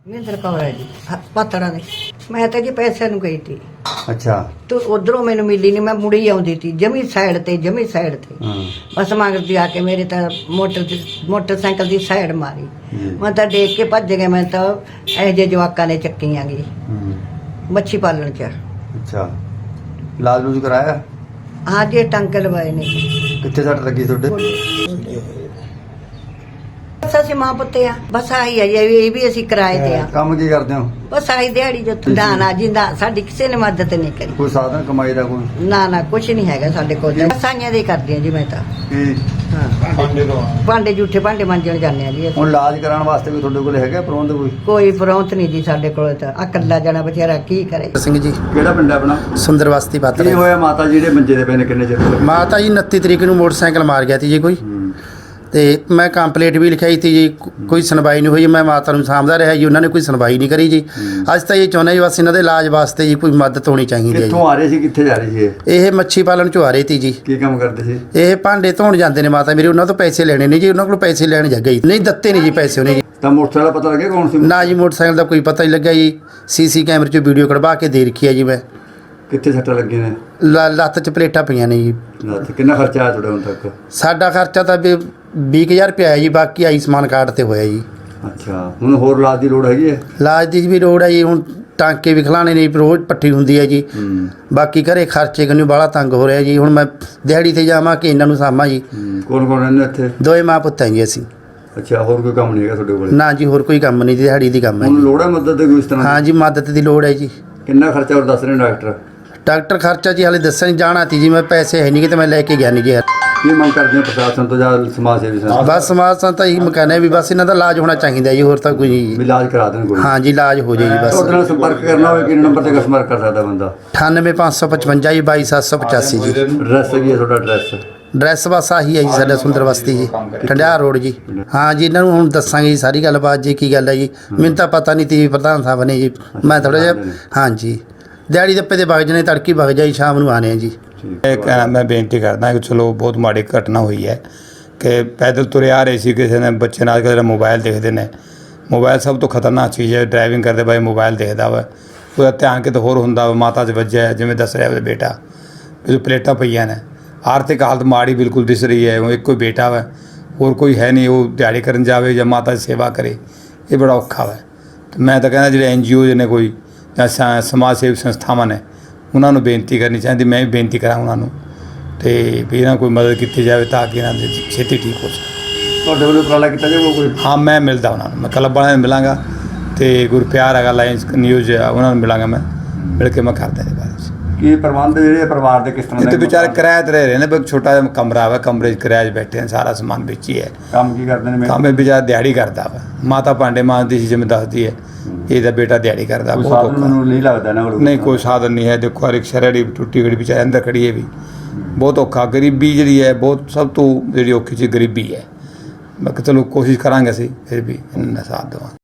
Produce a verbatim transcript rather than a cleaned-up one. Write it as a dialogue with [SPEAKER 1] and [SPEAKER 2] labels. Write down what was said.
[SPEAKER 1] ਮਹਿੰਦਰ ਕੌਰ ਹੈ ਜੀ ਪਾਤੜਾ ਦੇ। ਮੈਂ ਤਾਂ ਜੀ ਪੈਸਿਆਂ ਨੂੰ ਗਈ ਤੀ
[SPEAKER 2] ਅੱਛਾ
[SPEAKER 1] ਤੇ ਉਧਰੋਂ ਮੈਨੂੰ ਮਿਲੀ ਨਹੀਂ, ਮੈਂ ਮੁੜੀ ਆਉਂਦੀ ਤੀ ਜਮੀ ਸਾਈਡ ਤੇ ਜਮੀ ਸਾਈਡ ਤੇ
[SPEAKER 2] ਹਾਂ
[SPEAKER 1] ਬਸ ਮਗਰਦੀ ਆ ਕੇ ਮੇਰੇ ਤਾਂ ਮੋਟਰ ਦੀ ਮੋਟਰਸਾਈਕਲ ਦੀ ਸਾਈਡ ਮਾਰੀ।
[SPEAKER 2] ਜੀ।
[SPEAKER 1] ਮੈਂ ਤਾਂ ਦੇਖ ਕੇ ਭੱਜ ਗਿਆ। ਮੈਂ ਤਾਂ ਇਹ ਜੇ ਜਵਾਕਾਂ ਨੇ ਚੱਕੀਆਂ ਗਈ
[SPEAKER 2] ਹੂੰ
[SPEAKER 1] ਮੱਛੀ ਪਾਲਣ ਚ।
[SPEAKER 2] ਅੱਛਾ ਇਲਾਜ ਲੂਜ ਕਰਾਇਆ?
[SPEAKER 1] ਹਾਂ ਜੀ ਟੰਕੇ ਲਵਾਏ ਨੇ।
[SPEAKER 2] ਕਿੱਥੇ ਸੱਟ ਲੱਗੀ ਤੁਹਾਡੇ?
[SPEAKER 1] ਬਸ ਅਸੀਂ ਮਾਂ ਪੁੱਤੇ ਆ, ਬਸ ਆਹੀ ਆ ਜੀ, ਇਹ ਵੀ ਅਸੀਂ ਕਿਰਾਏ ਤੇ ਆ।
[SPEAKER 2] ਕੰਮ ਕੀ ਕਰਦੇ ਹੋ?
[SPEAKER 1] ਬਸ ਆਹੀ ਦਿਹਾੜੀ ਜੋ ਨਾ ਨਾ ਜਿੰਦਾ ਸਾਡੀ ਕਿਸੇ ਨੇ ਮਦਦ ਨਹੀਂ ਕਰੀ।
[SPEAKER 2] ਕੋਈ ਸਾਧਨ ਕਮਾਈ ਦਾ ਕੋਈ?
[SPEAKER 1] ਨਾ ਨਾ ਕੁਛ ਨਹੀਂ ਹੈਗਾ ਸਾਡੇ ਕੋਲ। ਸਾਈਆਂ ਦੇ ਕਰਦੇ ਆ ਜੀ ਮੈਂ ਤਾਂ।
[SPEAKER 2] ਕੀ
[SPEAKER 1] ਹਾਂ ਭਾਂਡੇ ਝੂਠੇ ਭਾਂਡੇ ਮਾਂਜਣ ਜਾਂਦੇ ਆ ਜੀ ਅਸੀਂ।
[SPEAKER 2] ਹੁਣ ਇਲਾਜ ਕਰਾਉਣ ਵਾਸਤੇ ਵੀ ਤੁਹਾਡੇ ਕੋਲ ਹੈਗਾ ਪ੍ਰਬੰਧ ਕੋਈ?
[SPEAKER 1] ਕੋਈ ਪ੍ਰੌਂਤ ਨਹੀਂ ਜੀ ਸਾਡੇ ਕੋਲ, ਤਾਂ ਆ ਇਕੱਲਾ ਜਣਾ ਵਿਚਾਰਾ ਕੀ ਕਰੇ।
[SPEAKER 3] ਸਿੰਘ ਜੀ
[SPEAKER 2] ਕਿਹੜਾ ਪਿੰਡ ਹੈ ਆਪਣਾ?
[SPEAKER 3] ਸੁੰਦਰ ਬਸਤੀ
[SPEAKER 2] ਕੀ
[SPEAKER 3] ਪਾਤੜਾ।
[SPEAKER 2] ਹੋਇਆ ਮਾਤਾ ਜੀ ਜਿਹੜੇ ਮੰਜੇ ਦੇ ਪਏ ਨੇ, ਕਿੰਨੇ ਚਿਰ ਤੋਂ?
[SPEAKER 3] ਮਾਤਾ ਜੀ ਉਨੱਤੀ ਤਰੀਕ ਨੂੰ ਮੋਟਰਸਾਈਕਲ ਮਾਰ ਗਿਆ ਸੀ ਜੀ ਕੋਈ,
[SPEAKER 2] ਹੂੰ।
[SPEAKER 3] ਤੇ ਮੈਂ ਕੰਪਲੇਂਟ ਵੀ ਲਿਖਾਈ ਸੀ ਜੀ, ਕੋਈ ਸੁਣਵਾਈ ਨਹੀਂ ਹੋਈ। ਮੈਂ ਮਾਤਾ ਨੂੰ ਸਾਂਭਦਾ ਰਿਹਾ ਜੀ, ਉਹਨਾਂ ਨੇ ਕੋਈ ਸੁਣਵਾਈ ਨਹੀਂ ਕਰੀ ਜੀ। ਅੱਜ ਤਾਂ ਇਹ ਚਾਹੁੰਦੇ ਜੀ ਬਸ ਇਹਨਾਂ ਦੇ ਇਲਾਜ ਵਾਸਤੇ ਜੀ ਕੋਈ ਮਦਦ ਹੋਣੀ ਚਾਹੀਦੀ ਹੈ ਜੀ।
[SPEAKER 2] ਕਿੱਥੋਂ ਆ ਰਹੇ ਸੀ, ਕਿੱਥੇ ਜਾ ਰਹੇ ਸੀ ਇਹ?
[SPEAKER 3] ਇਹ ਮੱਛੀ ਪਾਲਣ ਚੋਂ ਆ ਰਹੇ ਸੀ ਜੀ।
[SPEAKER 2] ਕੀ ਕੰਮ ਕਰਦੇ ਸੀ?
[SPEAKER 3] ਇਹ ਭਾਂਡੇ ਧੋਣ ਜਾਂਦੇ ਨੇ ਮਾਤਾ ਮੇਰੇ, ਉਹਨਾਂ ਤੋਂ ਪੈਸੇ ਲੈਣੇ ਨੇ ਜੀ, ਉਹਨਾਂ ਕੋਲ ਪੈਸੇ ਲੈਣ ਜਾ ਗਈ ਨਹੀਂ, ਦਿੱਤੇ ਨਹੀਂ ਜੀ ਪੈਸੇ ਉਹਨੇ ਜੀ।
[SPEAKER 2] ਤਾਂ ਮੋਟਰਸਾਈਕਲ ਦਾ ਪਤਾ ਲੱਗਿਆ ਕੌਣ ਸੀ?
[SPEAKER 3] ਨਾ ਜੀ ਮੋਟਰਸਾਈਕਲ ਦਾ ਕੋਈ ਪਤਾ ਨਹੀਂ ਲੱਗਿਆ ਜੀ। ਸੀਸੀ ਕੈਮਰੇ 'ਚੋਂ ਵੀਡੀਓ ਕਢਵਾ ਕੇ ਦੇ ਰੱਖੀ ਹੈ ਜੀ ਮੈਂ।
[SPEAKER 2] ਕਿੱਥੇ ਸੱਟਾਂ ਲੱਗੀਆਂ ਨੇ?
[SPEAKER 3] ਲ- ਲੱਤ 'ਚ ਪਲੇਟਾਂ ਪਈਆਂ ਨੇ ਜੀ।
[SPEAKER 2] ਰਾਤ ਕਿੰਨਾ ਖਰਚਾ ਆਇਆ ਤੁਹਾਡਾ ਹੁਣ ਤੱਕ?
[SPEAKER 3] ਸਾਡਾ ਖਰਚਾ ਤਾਂ ਵੀ ਵੀਹ ਕੁ ਹਜ਼ਾਰ ਰੁਪਇਆ ਹੈ ਜੀ, ਬਾਕੀ ਆਯੁਸ਼ਮਾਨ ਕਾਰਡ ਤੇ ਹੋਇਆ ਜੀ।
[SPEAKER 2] ਅੱਛਾ ਹੁਣ ਹੋਰ ਇਲਾਜ ਦੀ ਲੋੜ ਹੈਗੀ ਹੈ?
[SPEAKER 3] ਇਲਾਜ ਦੀ ਵੀ ਲੋੜ ਹੈ ਜੀ, ਹੁਣ ਟਾਂਕੇ ਵੀ ਖਿਲਾਣੇ ਨੇ, ਰੋਜ਼ ਪੱਠੀ ਹੁੰਦੀ ਹੈ ਜੀ।
[SPEAKER 2] ਹੂੰ
[SPEAKER 3] ਬਾਕੀ ਘਰੇ ਖਰਚੇ ਕੰਨੂ ਬਾਹਲਾ ਤੰਗ ਹੋ ਰਿਹਾ ਜੀ। ਹੁਣ ਮੈਂ ਦਿਹਾੜੀ ਤੇ ਜਾਵਾਂ ਕਿ ਇਹਨਾਂ ਨੂੰ ਸਾਂਭਾਂ ਜੀ।
[SPEAKER 2] ਕੌਣ ਕੌਣ ਰਹਿੰਦੇ ਇੱਥੇ?
[SPEAKER 3] ਦੋਏ ਮਾਂ ਪੁੱਤ ਹੈ ਜੀ ਅਸੀਂ।
[SPEAKER 2] ਅੱਛਾ ਹੋਰ ਕੋਈ ਕੰਮ ਨਹੀਂ ਹੈਗਾ ਤੁਹਾਡੇ ਕੋਲ?
[SPEAKER 3] ਨਾ ਜੀ ਹੋਰ ਕੋਈ ਕੰਮ ਨਹੀਂ, ਦਿਹਾੜੀ ਦੀ ਕੰਮ ਹੈ
[SPEAKER 2] ਹੁਣ
[SPEAKER 3] ਜੀ।
[SPEAKER 2] ਲੋੜ ਹੈ ਮਦਦ ਦੀ ਕੋਈ ਇਸ ਤਰ੍ਹਾਂ?
[SPEAKER 3] ਹਾਂ ਜੀ ਮਦਦ ਦੀ ਲੋੜ ਹੈ ਜੀ।
[SPEAKER 2] ਕਿੰਨਾ ਖਰਚਾ ਹੋਰ ਦੱਸ ਰਹੇ ਨੇ ਡਾਕਟਰ?
[SPEAKER 3] ਡਾਕਟਰ ਖਰਚਾ ਜੀ ਹਾਲੇ ਦੱਸਣ ਨਹੀਂ ਜਾਣਾ ਤੀ ਜੀ, ਮੈਂ ਪੈਸੇ ਹੈ ਨਹੀਂ ਕਿ ਤੇ ਮੈਂ ਲੈ ਕੇ ਗਿਆ ਨਹੀਂ ਜੀ।
[SPEAKER 2] ਕੀ ਮੰਗ ਕਰਦੇ ਹੋ ਪ੍ਰਸ਼ਾਸਨ ਤੋਂ ਜਾਂ ਸਮਾਜ ਸੇਵੀ ਸੰਸਥਾ?
[SPEAKER 3] ਬਸ ਸਮਾਜ ਸੰਸਥਾ ਇਹੀ ਮਕਾਨੇ ਵੀ ਬਸ ਇਹਨਾਂ ਦਾ ਇਲਾਜ ਹੋਣਾ ਚਾਹੀਦਾ ਜੀ, ਹੋਰ ਤਾਂ ਕੋਈ ਨਹੀਂ
[SPEAKER 2] ਵੀ
[SPEAKER 3] ਜੀ।
[SPEAKER 2] ਇਲਾਜ ਕਰਾ ਦੇਣ ਕੋਈ।
[SPEAKER 3] ਹਾਂ ਜੀ ਇਲਾਜ ਹੋ ਜਾਏ ਜੀ ਬਸ।
[SPEAKER 2] ਤੁਹਾਡੇ ਨਾਲ ਸੰਪਰਕ ਕਰਨਾ ਹੋਵੇ ਕਿਹੜੇ ਨੰਬਰ ਤੇ ਸੰਪਰਕ ਕਰ ਸਕਦਾ ਬੰਦਾ?
[SPEAKER 3] ਅਠਾਨਵੇਂ ਪੰਜ ਸੌ ਪਚਵੰਜਾ ਜੀ ਬਾਈ ਸੱਤ ਸੌ ਪਚਾਸੀ ਜੀ।
[SPEAKER 2] ਐਡਰੈਸ ਕੀ ਹੈ ਤੁਹਾਡਾ ਐਡਰੈਸ?
[SPEAKER 3] ਡਰੈਸ ਬਸ ਆਹੀ ਹੈ ਜੀ ਸਾਡਾ ਸੁੰਦਰ ਬਸਤੀ ਜੀ, ਠੰਡਿਆਰ ਰੋਡ ਜੀ। ਹਾਂ ਜੀ ਇਹਨਾਂ ਨੂੰ ਹੁਣ ਦੱਸਾਂਗੇ ਜੀ ਸਾਰੀ ਗੱਲਬਾਤ ਜੀ, ਕੀ ਗੱਲ ਹੈ ਜੀ। ਮੈਨੂੰ ਤਾਂ ਪਤਾ ਨਹੀਂ ਤੀ ਪ੍ਰਧਾਨ ਸਾਹਿਬ ਨੇ ਜੀ, ਮੈਂ ਥੋੜ੍ਹਾ ਜਿਹਾ ਹਾਂ ਜੀ ਦਿਹਾੜੀ ਦੱਪੇ ਦੇ ਵਗ ਜਣੇ, ਤੜਕੀ ਵਗ ਜਾਈ, ਸ਼ਾਮ ਨੂੰ ਆਣੇ ਆ ਜੀ।
[SPEAKER 4] ਇੱਕ ਮੈਂ ਬੇਨਤੀ ਕਰਦਾ ਕਿ ਚਲੋ ਬਹੁਤ ਮਾੜੀ ਘਟਨਾ ਹੋਈ ਹੈ ਕਿ ਪੈਦਲ ਤੁਰੇ ਆ ਰਹੇ ਸੀ, ਕਿਸੇ ਨੇ ਬੱਚੇ ਨਾਲ ਕਿਸੇ ਮੋਬਾਈਲ ਦੇਖਦੇ ਨੇ। ਮੋਬਾਈਲ ਸਭ ਤੋਂ ਖਤਰਨਾਕ ਚੀਜ਼ ਹੈ, ਡਰਾਈਵਿੰਗ ਕਰਦੇ ਬਾਈ ਮੋਬਾਈਲ ਦੇਖਦਾ ਵਾ, ਉਹਦਾ ਧਿਆਨ ਕਿਤੇ ਹੋਰ ਹੁੰਦਾ ਵਾ। ਮਾਤਾ 'ਚ ਵੱਜਿਆ ਜਿਵੇਂ ਦੱਸ ਰਿਹਾ ਉਹਦਾ ਬੇਟਾ, ਇਹ ਪਲੇਟਾਂ ਪਈਆਂ ਨੇ। ਆਰਥਿਕ ਹਾਲਤ ਮਾੜੀ ਬਿਲਕੁਲ ਦਿਸ ਰਹੀ ਹੈ। ਉਹ ਇੱਕੋ ਬੇਟਾ ਵਾ, ਹੋਰ ਕੋਈ ਹੈ ਨਹੀਂ। ਉਹ ਦਿਹਾੜੀ ਕਰਨ ਜਾਵੇ ਜਾਂ ਮਾਤਾ ਦੀ ਸੇਵਾ ਕਰੇ, ਇਹ ਬੜਾ ਔਖਾ ਵਾ। ਅਤੇ ਮੈਂ ਤਾਂ ਕਹਿੰਦਾ ਜਿਹੜੇ ਐਨ ਜੀ ਓ ਨੇ ਕੋਈ ਜਾਂ ਸਮਾਜ ਸੇਵੀ ਸੰਸਥਾਵਾਂ ਨੇ, ਉਹਨਾਂ ਨੂੰ ਬੇਨਤੀ ਕਰਨੀ ਚਾਹੀਦੀ, ਮੈਂ ਵੀ ਬੇਨਤੀ ਕਰਾਂ ਉਹਨਾਂ ਨੂੰ, ਅਤੇ ਵੀ ਇਹਨਾਂ ਕੋਈ ਮਦਦ ਕੀਤੀ ਜਾਵੇ ਤਾਂ ਕਿ ਇਹਨਾਂ ਦੀ ਛੇਤੀ ਠੀਕ ਹੋ ਸਕੇ।
[SPEAKER 2] ਤੁਹਾਡੇ ਵੱਲੋਂ ਉਪਰਾਲਾ ਕੀਤਾ ਜਾਊਗਾ ਕੋਈ?
[SPEAKER 4] ਹਾਂ ਮੈਂ ਮਿਲਦਾ ਉਹਨਾਂ ਨੂੰ, ਮੈਂ ਕਲੱਬ ਵਾਲਿਆਂ ਨੂੰ ਮਿਲਾਂਗਾ ਅਤੇ ਗੁਰਪਿਆਰ ਹੈਗਾ ਲਾਇੰਸ ਨਿਊਜ਼ ਉਹਨਾਂ ਨੂੰ ਮਿਲਾਂਗਾ, ਮੈਂ ਮਿਲ ਕੇ ਮੈਂ ਕਰਦਾ ਇਹਦੇ ਬਾਰੇ ਵਿੱਚ।
[SPEAKER 2] ਕੀ ਪ੍ਰਬੰਧ ਜਿਹੜੇ ਪਰਿਵਾਰ ਦੇ ਕਿਸ ਤਰ੍ਹਾਂ
[SPEAKER 4] ਇੱਥੇ
[SPEAKER 2] ਦੇ?
[SPEAKER 4] ਵਿਚਾਰੇ ਕਿਰਾਏ 'ਤੇ ਰਹਿ ਰਹੇ ਨੇ, ਬਸ ਛੋਟਾ ਜਿਹਾ ਕਮਰਾ ਵਾ, ਕਮਰੇ 'ਚ ਕਿਰਾਏ 'ਚ ਬੈਠੇ ਨੇ, ਸਾਰਾ ਸਮਾਨ ਵਿੱਚ ਹੀ ਹੈ।
[SPEAKER 2] ਕੰਮ ਕੀ ਕਰਦੇ ਨੇ?
[SPEAKER 4] ਕੰਮ ਇਹ ਵਿਚਾਰਾ ਦਿਹਾੜੀ ਕਰਦਾ ਵਾ। ਮਾਤਾ ਭਾਂਡੇ ਮਾਂਜਦੀ ਸੀ ਜਿਵੇਂ ਦੱਸਦੀ ਹੈ, ਇਹਦਾ ਬੇਟਾ ਦਿਹਾੜੀ ਕਰਦਾ।
[SPEAKER 2] ਕੋਈ
[SPEAKER 4] ਬਹੁਤ
[SPEAKER 2] ਸਾਧਨ
[SPEAKER 4] ਔਖਾ
[SPEAKER 2] ਮੈਨੂੰ ਨਹੀਂ ਲੱਗਦਾ ਨਾ?
[SPEAKER 4] ਨਹੀਂ ਕੋਈ ਸਾਧਨ ਨਹੀਂ ਹੈ। ਦੇਖੋ ਰਿਕਸ਼ਾ ਰੇਹੜੀ ਟੁੱਟੀ ਗੜੀ ਵਿਚਾਰੇ ਅੰਦਰ ਖੜੀ ਹੈ ਵੀ, ਬਹੁਤ ਔਖਾ। ਗਰੀਬੀ ਜਿਹੜੀ ਹੈ ਬਹੁਤ, ਸਭ ਤੋਂ ਜਿਹੜੀ ਔਖੀ ਚੀਜ਼ ਗਰੀਬੀ ਹੈ। ਮੈਂ ਕਿਹਾ ਚਲੋ ਕੋਸ਼ਿਸ਼ ਕਰਾਂਗੇ ਅਸੀਂ ਫਿਰ ਵੀ ਇਹਨਾਂ ਦਾ ਸਾਥ ਦੇਵਾਂ।